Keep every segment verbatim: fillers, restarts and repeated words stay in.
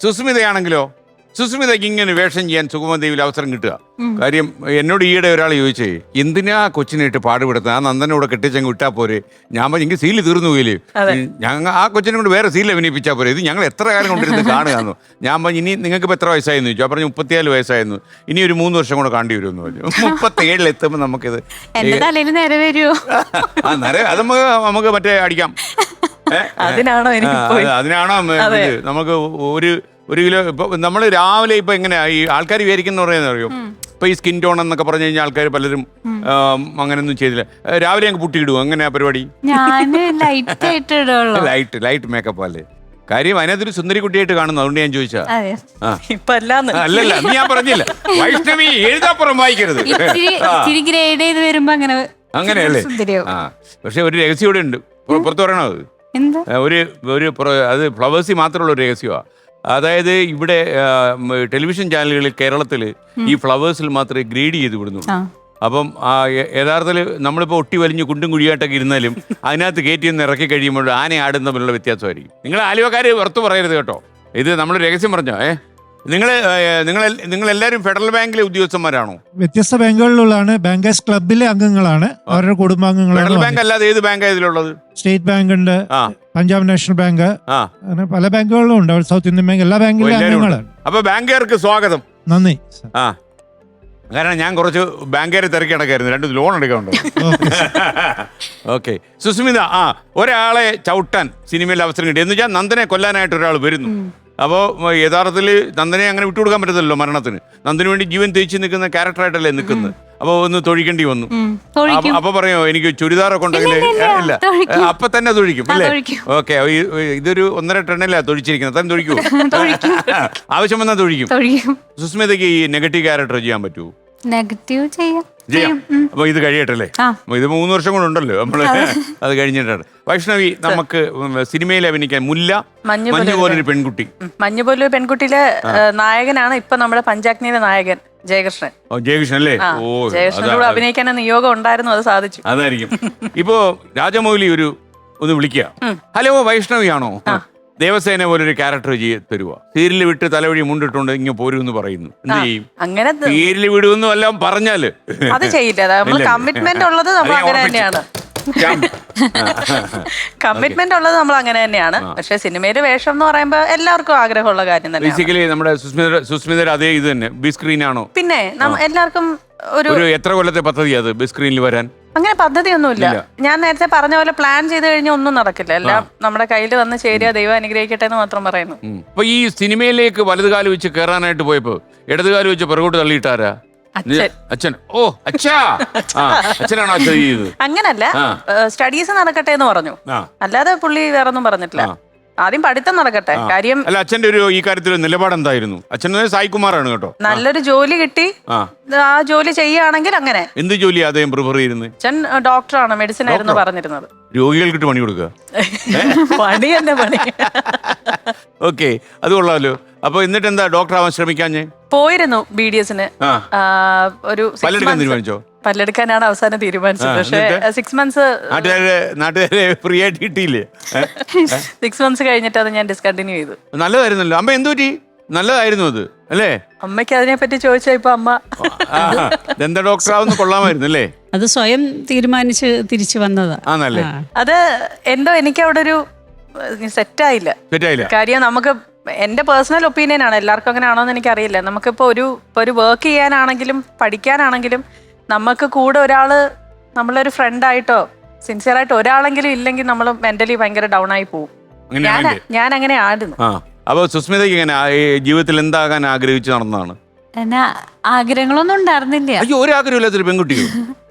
സുസ്മിതയാണെങ്കിലോ, സുസ്മിതയ്ക്ക് ഇങ്ങനെ വേഷം ചെയ്യാൻ സുഗമദേവിയിൽ അവസരം കിട്ടുക. കാര്യം എന്നോട് ഈയിടെ ഒരാൾ ചോദിച്ചേ, എന്തിനാ കൊച്ചിനായിട്ട് പാടുപെടുത്തുക, ആ നന്ദനോട് കെട്ടിച്ചങ്ങ് വിട്ടാൽ പോരെ. ഞാൻ പറഞ്ഞു എനിക്ക് സീല് തീർന്നു പോയില്ലേ, ഞങ്ങൾ ആ കൊച്ചിനെ കൊണ്ട് വേറെ സീൽ അഭിനയിപ്പിച്ചാൽ പോരെ, ഇത് ഞങ്ങൾ എത്ര കാലം കൊണ്ടിരുന്ന് കാണുകയെന്നു. ഞാൻ പറഞ്ഞു ഇനി നിങ്ങൾക്ക് ഇപ്പോൾ എത്ര വയസ്സായെന്ന് ചോദിച്ചു. പറഞ്ഞു മുപ്പത്തിയാല് വയസ്സായിരുന്നു, ഇനി ഒരു മൂന്ന് വർഷം കൂടെ കാണേണ്ടി വരുമെന്ന് പറഞ്ഞു. മുപ്പത്തേഴിൽ എത്തുമ്പോൾ നമുക്കിത് ആ നിര അത് നമുക്ക് നമുക്ക് മറ്റേ അടിക്കാം. അതിനാണോ അതിനാണോ നമുക്ക് ഒരു ഒരു കിലോ ഇപ്പൊ നമ്മൾ രാവിലെ ഇപ്പൊ എങ്ങനെയാ ഈ ആൾക്കാർ വിചാരിക്കുന്ന പറയുന്നത് അറിയോ, ഇപ്പൊ ഈ സ്കിൻ ടോൺ എന്നൊക്കെ പറഞ്ഞു കഴിഞ്ഞാൽ ആൾക്കാർ പലരും അങ്ങനെയൊന്നും ചെയ്തില്ല. രാവിലെ ഞങ്ങൾക്ക് പുട്ടിയിടുവോ, എങ്ങനെയാ പരിപാടി? ലൈറ്റ് ലൈറ്റ് മേക്കപ്പ് അല്ലേ കാര്യം? അതിനകത്തൊരു സുന്ദരി കുട്ടിയായിട്ട് കാണുന്നു, അതുകൊണ്ട് ഞാൻ ചോദിച്ചാ. അല്ലല്ല ഞാൻ പറഞ്ഞില്ല, വൈഷ്ണവി എഴുതാപ്പുറം വായിക്കരുത് അങ്ങനെയല്ലേ. ആ പക്ഷെ ഒരു രഹസ്യം ഇവിടെ ഉണ്ട്, പുറത്ത് പറയണോ അത്? ഒരു ഒരു അത് ഫ്ലവേഴ്സിൽ മാത്രമുള്ള ഒരു രഹസ്യമാണ്. അതായത് ഇവിടെ ടെലിവിഷൻ ചാനലുകളിൽ കേരളത്തിൽ ഈ ഫ്ലവേഴ്സിൽ മാത്രമേ ഗ്രേഡ് ചെയ്ത് വിടുന്നുള്ളൂ. അപ്പം യഥാർത്ഥത്തിൽ നമ്മളിപ്പോൾ ഒട്ടി വലിഞ്ഞ് കുണ്ടും കുഴിയായിട്ടൊക്കെ ഇരുന്നാലും അതിനകത്ത് കയറ്റി ഒന്ന് ഇറക്കി കഴിയുമ്പോൾ ആന ആടും തമ്മിലുള്ള വ്യത്യാസമായിരിക്കും. നിങ്ങൾ ആലുവക്കാർ പുറത്ത് പറയരുത് കേട്ടോ, ഇത് നമ്മൾ രഹസ്യം പറഞ്ഞോ. ഏ നിങ്ങൾ നിങ്ങൾ നിങ്ങൾ എല്ലാവരും ഫെഡറൽ ബാങ്കിലെ ഉദ്യോഗസ്ഥന്മാരാണോ? വ്യത്യസ്ത ബാങ്കുകളിലുള്ളതാണ്, ബാങ്കേഴ്സ് ക്ലബിലെ അംഗങ്ങളാണ്, അവരുടെ കുടുംബാംഗങ്ങളാണ്. ഫെഡറൽ ബാങ്ക് അല്ലാതെ ഏത് ബാങ്ക് ഇതിലുള്ളത്? സ്റ്റേറ്റ് ബാങ്ക് ഉണ്ട്, പഞ്ചാബ് നാഷണൽ ബാങ്ക്, അങ്ങനെ പല ബാങ്കുകളിലും ഉണ്ട്. സൗത്ത് ഇന്ത്യൻ ബാങ്ക്, എല്ലാ ബാങ്കിലും അംഗങ്ങളാണ്. അപ്പൊ ബാങ്കുകാർക്ക് സ്വാഗതം. നന്ദി. ആ കാരണം ഞാൻ കുറച്ച് ബാങ്കുകാരെ തിരക്കി നടക്കായിരുന്നു, രണ്ട് ലോൺ എടുക്കാനുണ്ടോ. ഓക്കെ സുസ്മിത, ആ ഒരാളെ ചവിട്ടാൻ സിനിമയിൽ അവസരം കിട്ടി എന്ന് വെച്ചാൽ നന്ദനെ കൊല്ലാനായിട്ട് ഒരാൾ വരുന്നു. അപ്പോൾ യഥാർത്ഥത്തിൽ നന്ദനെ അങ്ങനെ വിട്ടുകൊടുക്കാൻ പറ്റത്തില്ലല്ലോ മരണത്തിന്. നന്ദന് വേണ്ടി ജീവൻ തേച്ച് നിൽക്കുന്ന ക്യാരക്ടറായിട്ടല്ലേ നിൽക്കുന്നത്. അപ്പൊ ഒന്ന് തൊഴിക്കേണ്ടി വന്നു. അപ്പൊ പറയോ എനിക്ക് ചുരിദാറൊക്കെ ഉണ്ടെങ്കിൽ ഇല്ല, അപ്പൊ തന്നെ തൊഴിക്കും അല്ലേ? ഓക്കെ, ഇതൊരു ഒന്നര ടണ്ണിലാ തൊഴിച്ചിരിക്കുന്നത്, തന്നെ തൊഴിക്കൂ, ആവശ്യം വന്നാൽ തൊഴിക്കും. സുസ്മിതയ്ക്ക് ഈ നെഗറ്റീവ് ക്യാരക്ടർ ചെയ്യാൻ പറ്റുമോ? നെഗറ്റീവ് ചെയ്യാം. അപ്പൊ ഇത് കഴിയട്ടല്ലേ, ഇത് മൂന്ന് വർഷം കൂടെ ഉണ്ടല്ലോ നമ്മള്, അത് കഴിഞ്ഞിട്ടാണ്. വൈഷ്ണവി, നമുക്ക് സിനിമയിൽ അഭിനയിക്കാൻ മുല്ല മഞ്ഞു പോലൊരു പെൺകുട്ടി, മഞ്ഞു പോലൊരു പെൺകുട്ടിയിലെ നായകനാണ് ഇപ്പൊ നമ്മുടെ പഞ്ചാഗ്നിയിലെ നായകൻ ജയകൃഷ്ണൻ. ജയകൃഷ്ണൻ അല്ലേ? ഓ, ജയകൃഷ്ണനോട് അഭിനയിക്കാൻ നിയോഗം ഉണ്ടായിരുന്നു, അത് സാധിച്ചു. അതായിരിക്കും. ഇപ്പോ രാജമൗലി ഒരു ഒന്ന് വിളിക്കുക, ഹലോ വൈഷ്ണവിയാണോ? ദേവസേന പോലൊരു ക്യാരക്ടർ തരുവോ? സീരിയൽ വിട്ട് തലവഴി മുണ്ടിട്ടുണ്ട് ഇങ്ങനെ പോരുമെന്ന് പറയുന്നു, എന്ത് ചെയ്യും? അങ്ങനെ സീരിയൽ വിടുമെന്നും എല്ലാം പറഞ്ഞാല് അത് ചെയ്യില്ല. കമ്മിറ്റ്മെന്റ് ഉള്ളത് നമ്മൾ അങ്ങനെ തന്നെയാണ് കമ്മിറ്റ്മെന്റ് ഉള്ളത് നമ്മൾ അങ്ങനെ തന്നെയാണ്. പക്ഷെ സിനിമയില് വേഷം എന്ന് പറയുമ്പോ എല്ലാവർക്കും ആഗ്രഹമുള്ള കാര്യം തന്നെ. ബേസിക്കലി നമ്മുടെ സുസ്മിത സുസ്മിത അതേ ഇത് തന്നെ ബിഗ് സ്ക്രീൻ ആണോ? പിന്നെ എല്ലാവർക്കും ഒരു എത്ര കൊല്ലത്തെ പദ്ധതി അത് ബിഗ് സ്ക്രീനിൽ വരാൻ? അങ്ങനെ പദ്ധതിയൊന്നുമില്ല. ഞാൻ നേരത്തെ പറഞ്ഞ പോലെ പ്ലാൻ ചെയ്ത് കഴിഞ്ഞാൽ ഒന്നും നടക്കില്ല. എല്ലാം നമ്മുടെ കയ്യിൽ വന്ന് ചേരുക, ദൈവം അനുഗ്രഹിക്കട്ടെ എന്ന് മാത്രം പറയുന്നു. അപ്പൊ ഈ സിനിമയിലേക്ക് വലതുകാലം വെച്ച് കയറാനായിട്ട് പോയപ്പോ ഇടതുകാലം വെച്ച് പുറകോട്ട് തള്ളിയിട്ടാരാ? അച്ഛൻ. ഓ അച്ഛാ, അച്ഛനാണോ അച്ഛൻ ചെയ്തത്? അങ്ങനല്ല, സ്റ്റഡീസ് നടക്കട്ടെ എന്ന് പറഞ്ഞു, അല്ലാതെ പുള്ളി വേറൊന്നും പറഞ്ഞിട്ടില്ല. ആദ്യം പഠിത്തം നടക്കട്ടെ കാര്യം. അല്ല, അച്ഛന്റെ ഒരു ഈ കാര്യത്തിൽ നിലപാട് എന്തായിരുന്നു? അച്ഛൻ സായികുമാറാണ് കേട്ടോ. നല്ലൊരു ജോലി കിട്ടി ആ ജോലി ചെയ്യുകയാണെങ്കിൽ അങ്ങനെ. എന്ത് ജോലിയാ അദ്ദേഹം പ്രിഫർ ചെയ്യുന്നത്? അച്ഛൻ ഡോക്ടറാണ്, മെഡിസിൻ ആയിരുന്നു പറഞ്ഞിരുന്നത്. രോഗികൾക്കിട്ട് പണി കൊടുക്കുക, പണി തന്നെ പണി. ഓക്കെ, അത് കൊള്ളാമല്ലോ. അപ്പൊ എന്നിട്ട് എന്താ ഡോക്ടർ ആവാൻ ശ്രമിക്കാഞ്ഞേ? പോയിരുന്നു ബി ഡി എസിന്. ഒരു തീരുമാനിച്ചോ? പല്ലെടുക്കാനാണ് അവസാനം തീരുമാനിച്ചത്. പക്ഷേ സിക്സ് മന്ത്സ് നാട്ടുകാരെ ഫ്രീ ആയിട്ട് കിട്ടിയില്ലേ? സിക്സ് മന്ത്സ് കഴിഞ്ഞിട്ട് അത് ഞാൻ ഡിസ്കണ്ടിന്യൂ ചെയ്തു. നല്ലതായിരുന്നല്ലോ. അമ്മ എന്തു പറ്റി? നല്ലതായിരുന്നു അത് അല്ലേ? അമ്മയ്ക്ക് അതിനെ പറ്റി ചോദിച്ചാ ഇപ്പൊ അമ്മ ദന്ത ഡോക്ടർ ആവുന്ന കൊള്ളാമായിരുന്നു അല്ലേ? അത് സ്വയം തീരുമാനിച്ച് തിരിച്ചു വന്നതാ. അത് എന്തോ എനിക്ക് അവിടെ ഒരു സെറ്റായില്ല. സെറ്റായില്ല കാര്യം നമുക്ക് എന്റെ പേഴ്സണൽ ഒപ്പീനിയൻ ആണ്, എല്ലാവർക്കും അങ്ങനെ ആണോന്ന് എനിക്കറിയില്ല. നമുക്കിപ്പോ ഒരു ഇപ്പൊ ഒരു വർക്ക് ചെയ്യാനാണെങ്കിലും പഠിക്കാനാണെങ്കിലും നമുക്ക് കൂടെ ഒരാള് നമ്മളൊരു ഫ്രണ്ടായിട്ടോ സിൻസിയർ ആയിട്ട് ഒരാളെങ്കിലും ഇല്ലെങ്കിൽ നമ്മൾ മെന്റലി ഭയങ്കര ഡൗൺ ആയി പോകും. ഞാൻ അങ്ങനെ ആയിരുന്നു. അപ്പൊ സുസ്മിതയ്ക്ക് ഇങ്ങനെ ജീവിതത്തിൽ എന്താകാൻ ആഗ്രഹിച്ചു നടന്നതാണ്? ആഗ്രഹങ്ങളൊന്നും ഉണ്ടായിരുന്നില്ല. അയ്യോ, ഒരു ആഗ്രഹമില്ലാത്തൊരു പെൺകുട്ടിയോ?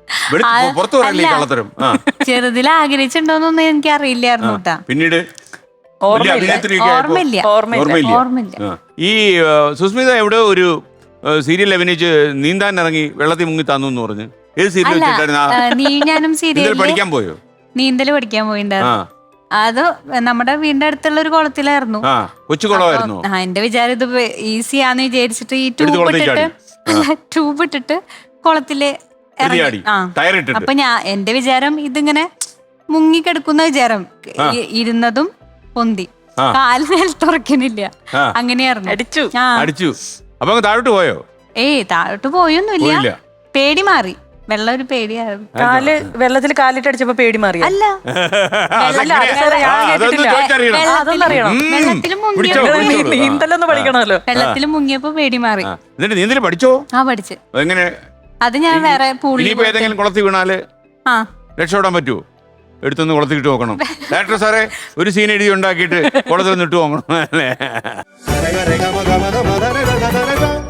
ചെറുതിൽ ആഗ്രഹിച്ചിട്ടുണ്ടോന്നൊന്നും എനിക്ക് അറിയില്ലായിരുന്നു കേട്ടാ. പിന്നീട് ഓർമ്മയില്ല. ഈ സുസ്മിത എവിടെ ഒരു സീരിയൽ അഭിനയിച്ച് നീന്താൻ ഇറങ്ങി വെള്ളത്തിൽ മുങ്ങി താന്നു എന്ന് പറഞ്ഞു. ഏത് സീരിയൽ ഞാനും സീരിയൽ പഠിക്കാൻ പോയോ? നീന്തല് പഠിക്കാൻ പോയിണ്ടായിരുന്നു. അത് നമ്മുടെ വീടിന്റെ അടുത്തുള്ള ഒരു കുളത്തിലായിരുന്നു. കൊച്ചുകുളമായിരുന്നു. ആ എന്റെ വിചാരം ഇത് ഈസിയാന്ന് വിചാരിച്ചിട്ട് ഈ ട്യൂബ് ഇട്ടിട്ട് ട്യൂബ് ഇട്ടിട്ട് കുളത്തില് ഇറങ്ങി. അപ്പൊ ഞാൻ എന്റെ വിചാരം ഇതിങ്ങനെ മുങ്ങിക്കെടുക്കുന്ന വിചാരം, ഇരുന്നതും പൊന്തി. ആ. കാല് നിലത്തുറക്കണില്ല. ആ. അങ്ങനെയായിരുന്നു. അടിച്ചു. ആ. അടിച്ചു. അപ്പൊ അങ്ങ് താഴോട്ട് പോയോ? ഏയ് താഴോട്ട് പോയൊന്നുമില്ല. പോയില്ല. പേടി മാറി. വെള്ളം ഒരു പേടിയായിരുന്നു. കാല് വെള്ളത്തിൽ കാലിട്ട് അടിച്ചപ്പോ പേടി മാറിയ അല്ല അതെങ്ങനെ? അതെ, ഞാൻ ആ, അതൊന്ന് കേട്ടിട്ടില്ല. ചോദിച്ചറിയണം. ആ, അതൊന്നും അറിയണം. ഉം. വെള്ളത്തില് മുങ്ങിയ പിടിച്ചോ, പിടിച്ചോ. നീന്തലൊന്ന് പഠിക്കണമല്ലോ. വെള്ളത്തിൽ മുങ്ങിയപ്പോ പേടി മാറി. ആ, എന്നിട്ട് നീന്തല് പഠിച്ചോ? ആ പഠിച്ച്. എങ്ങനെ? അത് ഞാൻ വേറെ പൂളിൽ ഇനിയിപ്പോ ഏതെങ്കിലും കുളത്തിൽ വീണാല് ആ രക്ഷപ്പെടാൻ പറ്റുമോ? എടുത്തൊന്ന് കുളത്തിൽ ഇട്ട് നോക്കണം. ഡയറക്ടർ സാറേ ഒരു സീൻ എഴുതി ഉണ്ടാക്കിയിട്ട് കുളത്തിൽ നിന്ന് ഇട്ട് നോക്കണം അല്ലേ?